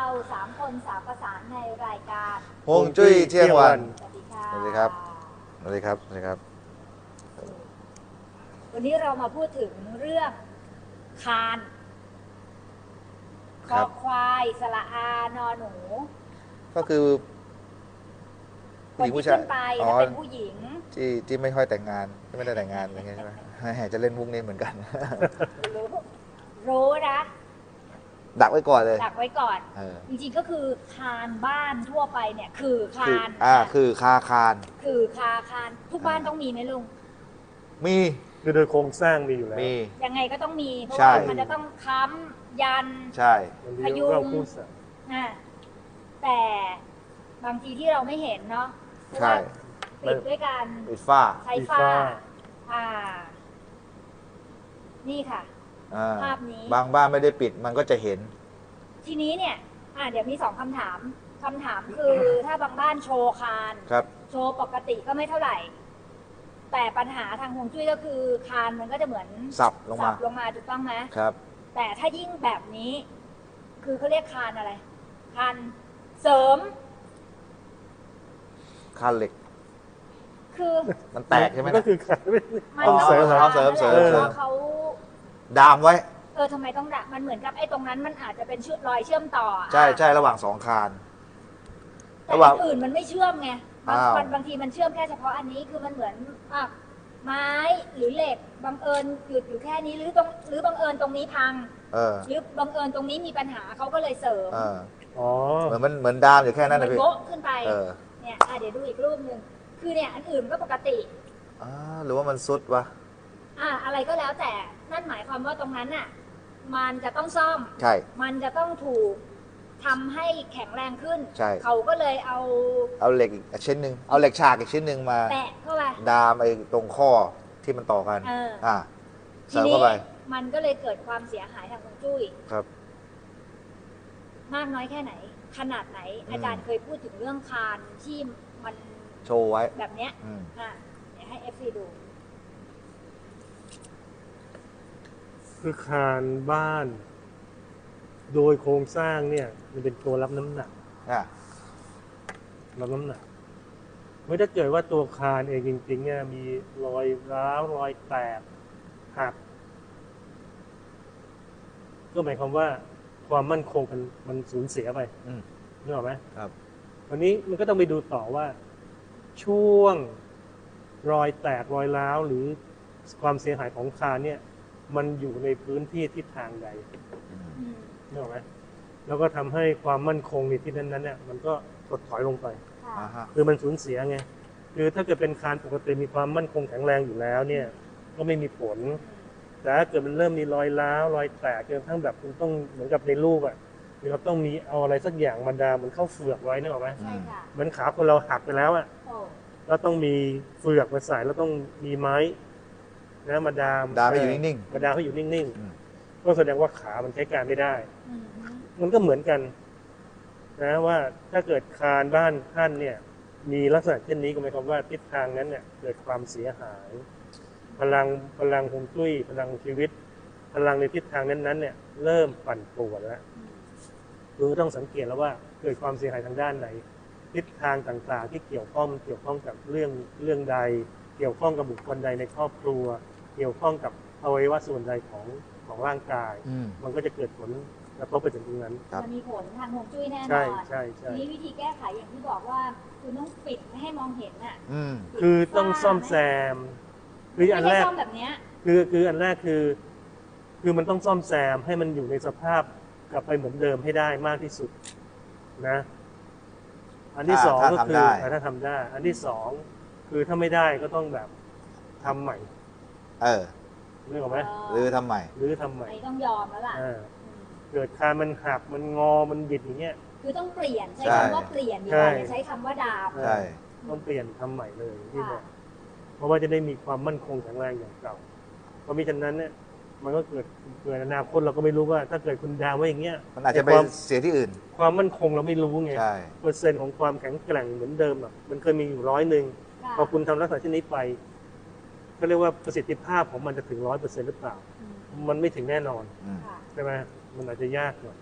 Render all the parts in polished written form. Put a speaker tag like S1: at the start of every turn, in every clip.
S1: 3 คน3 ประสานในรายการ
S2: ฮวงจุ้ยเที่ยงวัน
S1: สวัสดีค่ะ
S2: สวัสดีครับ สวัสดีครับ สวัสดีครับ
S1: วันนี้เรามาพูดถึงเรื่องคานค
S2: ครั
S1: อบ ควายสระอานอหนู
S2: ก็คือ
S1: คนที่ขึ้นไปถ้าเป็นผู้หญิง
S2: ที่ไม่ค่อยแต่งงานที่ไม่ได้แต่งงานอะไรเงี้ยใช่ไหมจะเล่นมุกนี้เหมือนกัน
S1: รู้นะ
S2: ดักไว้ก่อนเลย
S1: ดักไว้ก่อน จริงๆก็คือคานบ้านทั่วไปเนี่ยคือคาน
S2: คือคาคาน
S1: คือคานทุกบ้านต้องมีไหมลุง
S2: มี
S3: คือโดยโครงสร้างมีอยู่แล้ว
S2: มี
S1: ยังไงก็ต้องมีเพราะ
S2: ใช่
S1: ว่ามันจะต้องค้ำยัน
S2: ใช่
S3: มัน
S1: พยุง
S3: เราพูดสัตว์
S1: นะแต่บางทีที่เราไม่เห็นเนาะเพราะ
S2: ใช่
S1: ว่าปิดด้วยการ
S2: ปิดฝ้า
S1: ใช้ฝ้า อ่า นี่ค่ะ ภาพนี้
S2: บางบ้านไม่ได้ปิดมันก็จะเห็น
S1: ทีนี้เนี่ยเดี๋ยวมี2 คำถาม คำถามคือถ้าบางบ้านโชว์คาน
S2: ครับ
S1: โชว์ปกติก็ไม่เท่าไหร่ แต่ปัญหาทางฮวงจุ้ยก็คือคานมันก็จะเหมือน
S2: สับลงมา
S1: ลงมาถูกต้องไหม
S2: ครับ
S1: แต่ถ้ายิ่งแบบนี้ คือเขาเรียกคานอะไร คานเสริม
S2: คานเหล็ก
S1: คือ
S2: มันแตกใช่ไหม
S3: มันก็คือขาไม่
S1: มัน
S2: อ๋อ
S1: ต้อง
S2: เอาเสริม
S1: คาน
S2: เสริม
S1: นั่นแหละ
S2: เสริม
S1: เพราะเขา
S2: ดามไว้
S1: ทำไมต้องดักมันเหมือนกับไอ้ตรงนั้นมันอาจจะเป็นรอยเชื่อมต่อ
S2: ใช่ใช่ระหว่าง2 คาน
S1: แต่
S2: ระหว่าง
S1: อันอื่นมันไม่เชื่อมไง
S2: อ้าว
S1: บางทีมันเชื่อมแค่เฉพาะอันนี้คือมันเหมือนไม้หรือเหล็กบังเอิญหยุดอยู่แค่นี้หรือบังเอิญตรงนี้พัง หรือบังเอิญตรงนี้มีปัญหาเขาก็เลยเสริม
S3: อ๋อ
S2: เหมือนดามอยู่แค่นั้น
S1: มั
S2: นะพี่
S1: โบ๊ะขึ้นไป
S2: เออ
S1: เนี่ยเดี๋ยวดูอีกรูปหนึ่งคือเนี่ยอันอื่นก็ปกติ
S2: หรือว่ามันซุดวะ
S1: อะไรก็แล้วแต่นั่นหมายความว่าตรงนั้นน่ะมันจะต้องซ่อม
S2: ใช่
S1: มันจะต้องถูกทำให้แข็งแรงขึ้น
S2: ใช่
S1: เขาก็เลยเอา
S2: เอาเหล็กอีกชิ้นหนึ่งเอาเหล็กฉากอีกชิ้นหนึ่งมา
S1: แปะเข้าไป
S2: ดามไอ้ตรงข้อที่มันต่อกัน
S1: ที
S2: เสริม
S1: นี้
S2: เข้าไป
S1: มันก็เลยเกิดความเสียหายทางฮวงจุ้ย
S2: ครับ
S1: มากน้อยแค่ไหน ขนาดไหน อาจารย์เคยพูดถึงเรื่องคานที่มัน
S2: โชว์ไว้
S1: แบบเนี้ย
S2: อืม
S1: เดี๋ยวให้ FC ดู
S3: คือคานบ้าน โดยโครงสร้างเนี่ยมันเป็นตัวรับน้ำหนัก
S2: อ่ะ
S3: รับน้ำหนักไม่ถ้าเกิดว่าตัวคานเองจริงๆเนี่ยมีรอยร้าวรอยแตกหักก็หมายความว่าความมั่นคงมันสูญเสียไป นึกออกไหม
S2: ครับ
S3: วันนี้มันก็ต้องไปดูต่อว่า ช่วงรอยแตกรอยร้าวหรือความเสียหายของคานเนี่ย มันอยู่ในพื้นที่ทิศทางใดนึกออกไหมแล้วก็ทำให้ความมั่นคงในที่นั้นๆเนี่ยมันก็ถดถอยลงไป คือมันสูญเสียไงคือถ้าเกิดเป็นคานปกติมีความมั่นคงแข็งแรงอยู่แล้วเนี่ย ก็ไม่มีผล แต่ถ้าเกิดมันเริ่มมีรอยร้าวรอยแตกจนกระทั่งแบบคุณต้องเหมือนกับในรูปอ่ะคือเราต้องมีเอาอะไรสักอย่างมาดามมันเข้าเฟือกไว้นึกออกไหม
S1: ใช่ค่ะ
S3: เหมือนขาคนเราหักไปแล้วอ่ะ
S1: โอ้
S3: แล้วต้องมีเฟือกมาใส่แล้วต้องมีไม้นะมาดาม
S2: ดามให้อยู่นิ่ง
S3: มาดามให้อยู่นิ่ง
S2: อืม
S3: ๆก็แสดงว่าขามันใช้การไม่ได้
S1: อืม
S3: มันก็เหมือนกันนะว่าถ้าเกิดคานบ้านท่านเนี่ย มีลักษณะเช่นนี้ก็หมายความว่าทิศทางนั้นเนี่ยเกิดความเสียหาย พลังฮวงจุ้ยพลังชีวิต พลังในทิศทางนั้นๆเนี่ยเริ่มปั่นป่วนแล้วคือต้องสังเกตแล้วว่าเกิดความเสียหายทางด้านไหน ทิศทางต่างๆ ที่เกี่ยวข้องกับเรื่องใด เกี่ยวข้องกับบุคคลใดในครอบครัว เกี่ยวข้องกับอวัยวะส่วนใดของร่างกาย มันก็จะเกิดผลกระทบไปถึงตรงนั้น
S2: ครับ
S1: มันมีผลทางฮวงจุ้ยแน่น
S3: ใช่
S1: อน
S3: ใช่ใช่
S1: ทีนี้วิธีแก้ไขอย่างที่บอกว่าคุณต้องปิดไม่ให้มองเห็นอ่ะ
S3: คือต้องซ่อมแซมคืออัน
S1: ไม่
S3: แร
S1: ใช่
S3: ก
S1: ซ่อมแบบเนี้ย
S3: คืออันแรกคือมันต้องซ่อมแซมให้มันอยู่ในสภาพกลับไปเหมือนเดิมให้ได้มากที่สุดนะ อันที่สองก็คือถ้าทำได้ อันที่สองคือถ้าไม่ได้ก็ต้องแบบทำใหม่นึกออกไหม
S2: หรือทำใหม่
S3: หรือทำใหม่
S1: ไอ้ต้องยอมแล้วล่ะ
S3: เกิดคานมันหักมันงอมันบิดอย่างเงี้ย
S1: คือต้องเปลี่ยนใช้
S2: ใช่
S1: คำว่าเปลี่ยนดีกว่าอย่าใช้คำว่าดาม
S2: ใช่
S3: ต้องเปลี่ยนทำใหม่เลยที่บอกเพราะว่าจะได้มีความมั่นคงแข็งแรงอย่างเก่าเพราะมิฉะนั้นเนี่ยมันก็เกิดอนาคตเราก็ไม่รู้ว่า ถ้าเกิดคุณดาวไว้อย่างเงี้ย
S2: มันอาจจะไปเสียที่อื่น
S3: ความมั่นคงเราไม่รู้ไง
S2: ใช่
S3: เปอร์เซ็นต์ของความแข็งแกร่งเหมือนเดิมอ่ะมันเคยมีอยู่100พอคุณทำลักษณะเช่นนี้ไปก็เรียกว่าประสิทธิภาพของมันจะถึง100%หรือเปล่า มันไม่ถึงแน่นอนใช่ไหมมันอาจจะยากหน่อย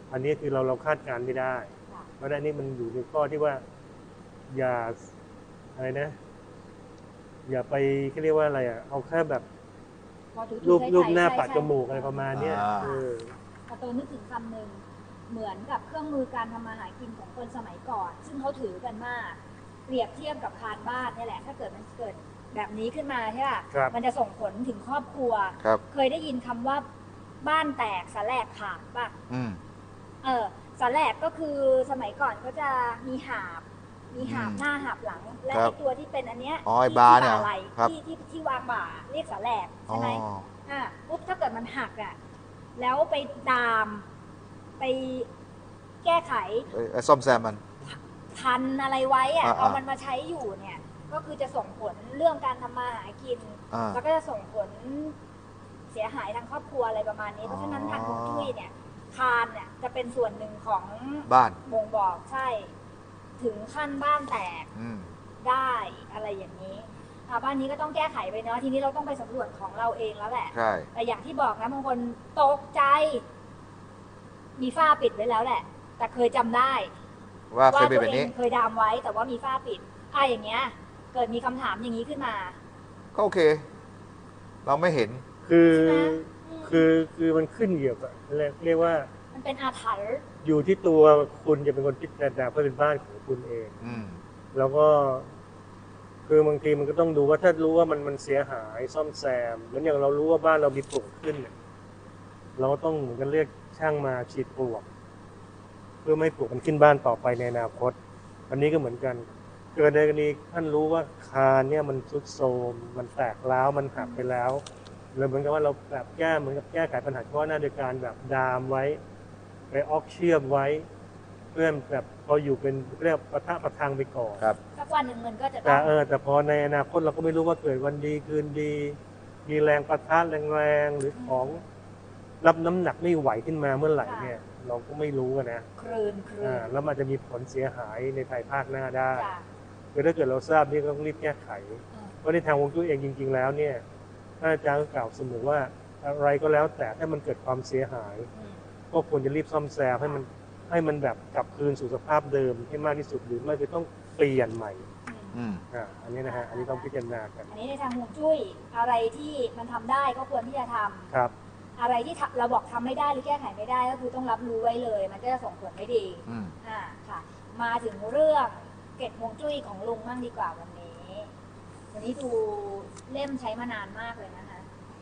S3: อันนี้คือเราคาดการณ์ไม่ได้
S1: ค่ะ
S3: เพราะฉะนั้นนี่มันอยู่ในข้อที่ว่า อย่าอะไรนะ อย่าไปเขาเรียกว่าอะไรอ่ะเอาแค่แบบ
S1: พอถูๆ
S3: รูป
S1: ใช้
S3: รูปหน้า
S1: ใช้
S3: ปัด
S1: ใช้
S3: จมูกอะไรประมาณเนี้ย
S2: อ่า
S1: กระตูนนึกถึงคำหนึ่งเหมือนกับเครื่องมือการทำมาหากินของคนสมัยก่อน ซึ่งเขาถือกันมาก เปรียบเทียบกับคานบ้านนี่แหละ ถ้าเกิดมันเกิดแบบนี้ขึ้นมาใช่ป่ะ
S3: ครับ
S1: มันจะส่งผลถึงครอบครัว
S2: ครับ
S1: เคยได้ยินคำว่าบ้านแตกสแลกขาดป่ะ
S2: อืม
S1: สแลกก็คือสมัยก่อนก็จะมีหาบ
S2: อืม
S1: หน้าหาบหลัง และ
S2: ครั
S1: ไอ้
S2: บ
S1: ตัวที่เป็นอันเนี้ย
S2: อ๋อไอ้
S1: ที่
S2: บาร์เนี่ย
S1: ที่ไหล่
S2: ครับ
S1: ที่วางบ่าเรียกสแลก
S2: อ๋อ
S1: ใช่ไหมปุ๊บถ้าเกิดมันหักอ่ะแล้วไปดามไปแก้ไข
S2: ซ่อมแซมมัน
S1: พันอะไรไว้อ่ะ
S2: อ่า
S1: เอามันมาใช้อยู่เนี่ยก็คือจะส่งผลเรื่องการทำมาหากิน
S2: อ่า
S1: แล้วก็จะส่งผลเสียหายทางครอบครัวอะไรประมาณนี้ เพราะฉะนั้นทางฮวงจุ้ยเนี่ยคานเนี่ยจะเป็นส่วนหนึ่งของ
S2: บ้าน
S1: บ่งบอกใช่ ถึงขั้นบ้านแตก
S2: อืม
S1: ได้อะไรอย่างนี้บ้านนี้ก็ต้องแก้ไขไปเนาะทีนี้เราต้องไปสำรวจของเราเองแล้วแหละ
S2: ใช่
S1: แต่อย่างที่บอกนะบางคนตกใจ มีฝ้าปิดไว้แล้วแหละ แต่เคยจำได้
S2: ว่าเค
S1: ว่าย
S2: เป็น
S1: ตัว
S2: แบบ
S1: เอ
S2: นี้
S1: งเคยดามไว้ แต่ว่ามีฝ้าปิดอย่างเงี้ย เกิดมีคำถามอย่างนี้ขึ้นมา
S2: ก็โอเค เราไม่เห็น
S3: คือ
S1: ใช่ไหม
S3: คือมันขึ้นอยู่กับเรียกว่า
S1: มันเป็นอาถรรพ์
S3: อยู่ที่ตัวคุณจะเป็นคนพิจารณาเพื่อเป็นบ้านของคุณเอง
S2: อืม
S3: แล้วก็ คือบางทีมันก็ต้องดูว่าถ้ารู้ว่ามันเสียหายซ่อมแซมเหมือนอย่างเรารู้ว่าบ้านเรามีปลวกขึ้นเนี่ยเราก็ต้องเหมือนกันเรียกช่างมาฉีดปลวก เพื่อไม่ให้ปลวกมันขึ้นบ้านต่อไปในอนาคต อันนี้ก็เหมือนกัน เกิดในกรณีท่านรู้ว่าคานเนี่ยมันทรุดโทรมมันแตกร้าวมันหักไปแล้วเลยเหมือนกับว่าเราแบบเหมือนกับแก้ไขปัญหาเฉพาะหน้าโดยการแบบดามไว้ ไปออกเชื่อมไว้ เพื่อแบบพออยู่เป็นเรียกประทะประทังไปก่อน
S2: ครับ
S1: สักวันหนึ่งมันก็จะต้
S3: แต่
S1: อง
S3: แต่พอในอนาคตเราก็ไม่รู้ว่าเกิดวันดีคืนดี มีแรงประทะแรงๆหรือของรับน้ำหนักไม่ไหวขึ้นมาเมื่อไหร่เนี่ย เราก็ไม่รู้อะนะ
S1: คลืน
S3: แล้วมันจะมีผลเสียหายในภายภาคหน้าได้
S1: จ้ะ
S3: คือถ้าเกิดเราทราบนี่ก็ต้องรีบแก้ไข
S1: อืม
S3: เพราะในทางฮวงจุ้ยเองจริง ๆ แล้วเนี่ยท่านอาจารย์ก็กล่าวเสมอว่าอะไรก็แล้วแต่ถ้ามันเกิดความเสียหาย
S1: อืม
S3: ก็ควรจะรีบซ่อมแซมให้มันแบบกลับคืนสู่สภาพเดิมให้มากที่สุดหรือไม่คือต้องเปลี่ยนใหม่
S1: อืม
S2: อืม
S3: อันนี้นะฮะอันนี้ต้องพิจารณากัน
S1: อันนี้ในทางฮวงจุ้ยอะไรที่มันทำได้ก็ควรที่จะทำ
S3: ครับ
S1: อะไรที่เราบอกทำไม่ได้หรือแก้ไขไม่ได้ก็คือต้องรับรู้ไว้เลย มันก็จะส่งผลไม่ดี
S2: อืม
S1: ค่ะ มาถึงเรื่องเกร็ดฮวงจุ้ยของลุงบ้างดีกว่าวันนี้ วันนี้ดูเล่มใช้มานานมากเลยนะคะ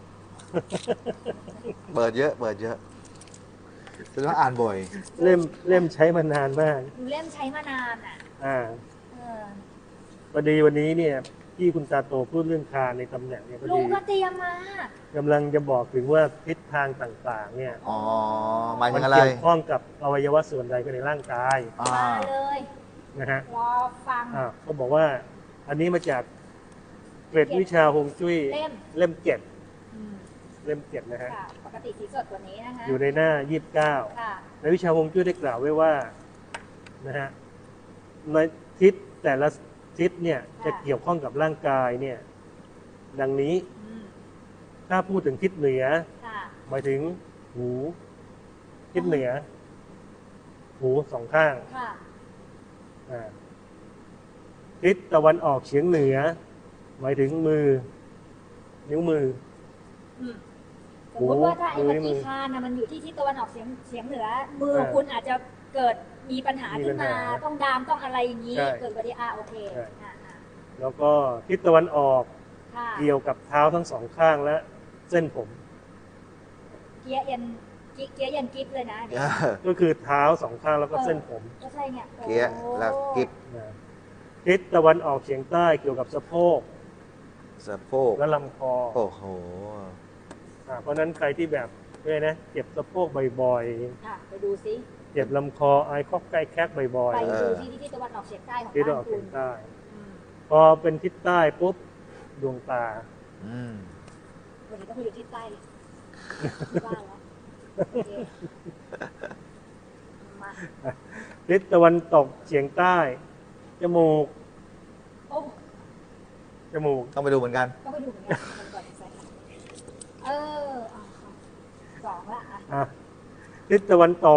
S2: เปิดเยอะ เปิดเยอะจะต้องอ่านบ่อย
S3: เล่มใช้มานานมาก
S1: ดูเล่มใช้มานานอ่ะ
S3: อ่า
S1: เออ
S3: พอดีวันนี้เนี่ยที่คุณตาโตพูดเรื่องคานในตำแหน่งเนี่ยพอ
S1: ลุ
S3: ดี
S1: งก็เตรียมมา
S3: กำลังจะบอกถึงว่าทิศทางต่างๆ เนี่ย
S2: อ๋อหมายถึ
S3: มัน
S2: งอะไร
S3: เกี่ยวข้องกับอวัยวะส่วนใดก็ในร่างกาย
S2: อ่า
S1: มาเลย
S3: นะฮะ
S1: รอฟัง
S3: เขาบอกว่าอันนี้มาจากเกร็ดวิชาฮวงจุ้ย
S1: เล่ม
S3: เล่มเจ็ด
S1: อืม
S3: เล่มเจ็ดนะฮะ
S1: ค่ะ ปกติสีสดกว่านี้นะคะ
S3: อยู่ในหน้า 29
S1: ค่ะ
S3: ในวิชาฮวงจุ้ยได้กล่าวไว้ว่านะฮะในทิศแต่ละทิศเนี่ยจะเกี่ยวข้องกับร่างกายเนี่ยดังนี้
S1: อืม
S3: ถ้าพูดถึงทิศเหนือ
S1: ค่ะ
S3: หมายถึงหูทิศเหนือ หูสองข้าง
S1: ค่ะ
S3: อ่าทิศตะวันออกเฉียงเหนือ หมายถึงมือ นิ้วมือ
S1: อืมสมมติว่าถ้าไอ้
S3: มือ
S1: ปฏิฆานะมันอยู่ที่ทิศตะวันออกเฉียงเหนือ มือของคุณอาจจะเกิดมีปัญหาขึ้นมา ต้องดามต้องอะไรอย่างนี้ เกิดปฏิโอเคอ่า
S3: แล้วก็ทิศตะวันออก
S1: ค่ะ
S3: เกี่ยวกับเท้าทั้งสองข้างและเส้นผม
S1: เกียร์เย็นกิฟเลยนะเดี๋ยว
S3: ก็คือเท้าสองข้างแล้วก็เส้นผม
S1: ก็ใช่เนี่ยโอ้
S2: เกียร์แล้วกิ๊บ
S3: นะทิศตะวันออกเฉียงใต้เกี่ยวกับสะโพก
S2: สะโพก
S3: และลำคอ
S2: โอ้โห
S3: เพราะฉะนั้นใครที่แบบเนี่ยนะเจ็บสะโพกบ่อย
S1: ค่ะไปดูซิ
S3: ๆ เจ็บลำคอไอคอกใกล้แคกบ่อย
S1: ไป
S2: เอ
S1: ดู
S2: อ
S1: ที่ทิศตะวันออกเฉียงใต้ของ
S3: ๆทิศตะวัน
S1: บ้า
S3: อน อก
S1: คุ
S3: เฉีย
S1: ณ
S3: งใต้
S1: อืม
S3: พอเป็นทิศใต้ปุ๊บดวงตา
S2: อืม
S1: วันนี้ต้องไปอยู่ทิศใต้เลยที่บ้านแล้วโอเคมา
S3: ทิศตะวันตกเฉียงใต้ จมูก
S1: โอ้
S3: จมูก
S2: ต้องไปดูเหมือนกัน
S1: ต้องไปดูเหมือนกันมันก่อนใส่สองละอ่ะ
S3: อ่ะทิศตะวันตก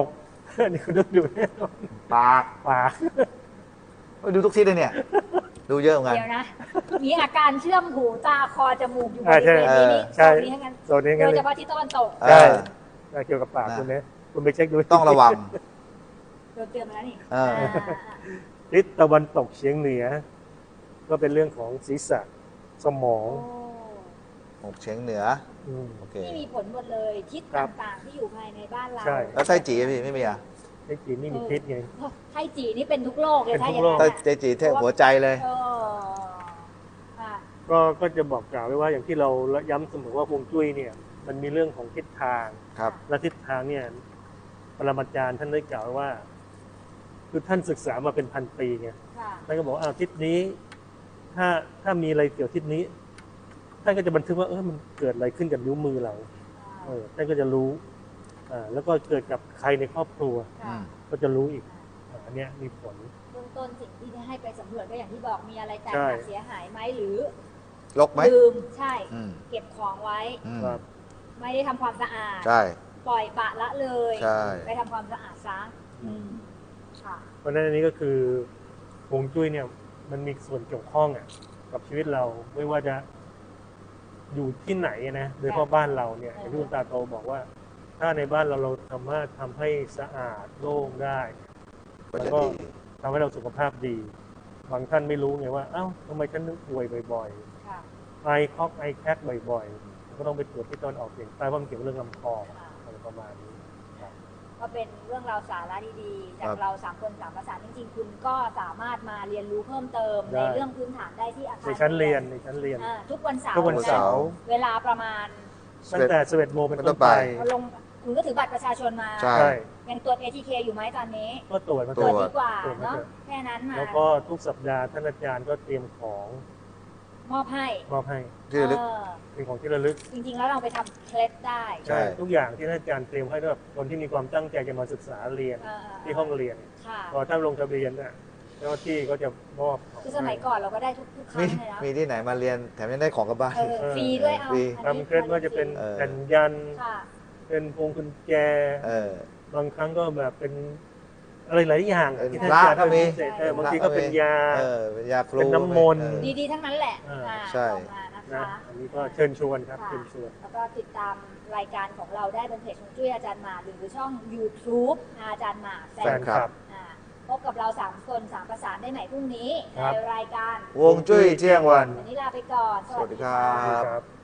S3: นี่คุณต้องดูแน่นอน
S2: ปาก
S3: ปาก
S2: ดูทุกทิศเลยเนี่ย ดูเยอะเหมือนกัน
S1: เดี๋ยวนะ มีอาการเชื่อมหูตาคอจมูกอยู่บ
S3: อ่า
S1: ริ
S3: ใช่
S1: เวณนี้นี่
S3: ใช่
S1: โซนนี้ทั้งนั้น
S3: โซนนี้
S1: โด
S3: งั้น
S1: ย
S3: เล
S1: เฉ
S3: ย
S1: พาะที่ตะวันตก
S2: เออ
S3: ใช่เกี่ยวกับปาก
S2: นะ
S3: คุณเนี่ยคุณไปเช็คดู
S2: ต้องระวัง
S1: โดนเตือนมาแล้วนี่
S2: เออ
S3: ทิศตะวันตกเฉียงเหนือ ก็เป็นเรื่องของศีรษะสมอง
S1: โอ้
S2: หกเฉียงเหนือ
S3: อืม
S2: โอเค
S1: ที่มีผลหมดเลยทิศ
S3: ครับ
S1: ต่างๆที่อยู่ภายในบ้านเรา
S3: ใช่
S2: แล้วไส้จีพี่ไม่มีอ่ะ
S3: ไอ้จีนนี่มีทิศไง
S1: ไทจีนี่เป็นทุกโลกเลย
S3: เป็น
S1: ถ้า
S3: ทุ
S1: อก ย่าง
S3: โลก
S1: นั้น
S2: ไส้จีเทพหัวใจเลย
S1: เออค่ะ
S3: ก็จะบอกกล่าวไว้ว่าอย่างที่เราย้ำเสมอว่าฮวงจุ้ยเนี่ย มันมีเรื่องของทิศทาง
S2: ครับ
S3: และทิศทางเนี่ยปรมาจารย์ท่านได้กล่าวไว้ว่า คือท่านศึกษามาเป็นพันปีไง
S1: ค่ะ
S3: ท่านก็บอกว่าทิศนี้ ถ้ามีอะไรเกี่ยวทิศนี้ ท่านก็จะบันทึกว่ามันเกิดอะไรขึ้นกับนิ้วมือเราท่านก็จะรู้แล้วก็เกิดกับใครในครอบครัว
S2: อื
S1: ค่ะ
S2: ม
S3: ก็จะรู้อีกอันเนี้ยมีผล
S1: เบื้องต้นสิ่งที่ให้ไปสำรวจก็อย่างที่บอกมีอะไรแตก
S3: ใช่
S1: หักเสียหายไหมหรือ
S2: ลกไหม
S1: ลืมใช่
S2: อืม
S1: เก็บของไว้
S2: อืม
S3: ครับ
S1: ไม่ได้ทำความสะอาด
S2: ใช่
S1: ปล่อยปละละเลย
S2: ใช่
S1: ไปทำความสะอาดซะค่ะ
S3: เพราะฉะนั้นอันนี้ก็คือฮวงจุ้ยเนี่ย มันมีส่วนเกี่ยวข้องกับชีวิตเราไม่ว่าจะอยู่ที่ไหนนะโดยเฉพาะบ้านเราเนี่ยอย่างที่คุณตาโตบอกว่า ถ้าในบ้านเราสามารถทำให้สะอาดโล่งได้
S2: ก็
S3: แล้ว
S2: จะ
S3: ก็
S2: ดี
S3: ทำให้เราสุขภาพดี บางท่านไม่รู้ไงว่า เอ้าทำไมฉันนึกป่วยบ่อย
S1: ค่ะ
S3: ๆ ไอคอกไอแคกบ่อยๆ ก็ต้องไปตรวจที่ตอนออกเสียงใต้เพราะมันเกี่ยวกับเรื่องลำคออะไรประมาณนี้
S1: ก็เป็นเรื่องราวสาระดีๆ จา
S2: ครั
S1: ก
S2: บ
S1: เราสามคนสามประสานจริงๆ คุณก็สามารถมาเรียนรู้เพิ่มเติม
S3: ได้
S1: ในเรื่องพื้นฐานได้ที่อาคาร
S3: ในชั้นเรียน
S1: ทุกวันเสาร์
S3: ทุกวันเสาร์
S1: เวลาประมาณ
S3: ตั้งแต่11 โมงเป็นต้นไป
S1: เอาลงคุณก็ถือบัตรประชาชนมา
S2: ใช่
S3: ใช่
S1: ยังตรวจ ATK อยู่ไหมตอนนี้
S3: ก็ตรวจมา
S2: ต
S1: ต
S2: ร
S1: ร
S2: ว
S1: ว
S2: จ
S1: จดีกว่า
S3: ตรวจมา
S1: เนาะ
S3: เถอะ
S1: แค่นั้นมา
S3: แล้วก็ทุกสัปดาห์ท่านอาจารย์ก็เตรียมของ
S1: มอบให้
S3: มอบให้
S2: ที่ระลึก
S1: เออ
S3: เป็นของที่ระลึก
S1: จริงๆ แล้วเราไปทำเคล็ดได้
S2: ใช่
S3: ทุกอย่างที่ท่านอาจารย์เตรียมให้สำหรับคนที่มีความตั้งใจจะมาศึกษาเรียน
S1: เออ
S3: ที่ห้องเรียน
S1: ค่ะ
S3: พอท่านลงทะเบียนน่ะเจ้าหน้าที่ก็จะมอบของ
S1: คือสมัยก่อนเราก็ได้ทุกครั้
S2: มี
S1: งเลยนะ
S2: มีที่ไหนมาเรียนแถมยังได้ของกลับบ้าน
S1: ฟรีด้วยเอา
S2: ฟรี
S1: อันนี้
S3: ทำเคล็ดว่าจะเป็น
S2: เออ
S3: แผ่นยัน
S1: ค่ะ
S3: เป็นพวงกุญแจ
S2: เออ
S3: บางครั้งก็แบบเป็นอะไรหลายอย่าง
S2: เป็น
S3: ที่ท่านอาจารย์
S2: พระก็มี
S3: ให้พิเศษบางทีก็เป็นยา
S2: เออเป็นยาครู
S3: เป็นน้ำมนต์
S2: เออ
S1: ดีๆ ทั้งนั้นแหละ
S3: อ่า
S1: อ่า
S2: ใช่
S1: ออกมานะ
S3: นะคะ อันนี้ก็เชิญชวนครับ
S1: ค่ะ
S3: เชิญชวน
S1: แล้วก็ติดตามรายการของเราได้บนเพจของจุ้ยอาจารย์หมาหรือช่อง YouTube อาจารย์หมาแฟ
S3: แฟ
S1: น
S3: นคลับ
S1: อ่าพบกับเรา3คน3ประสานได้ใหม่พรุ่งนี้
S3: ครับ
S1: ในรายการ
S2: วงจุ้ยเที่ยงวัน
S1: วันนี้ลาไปก่อน
S2: สวัสดีครั
S3: ครับ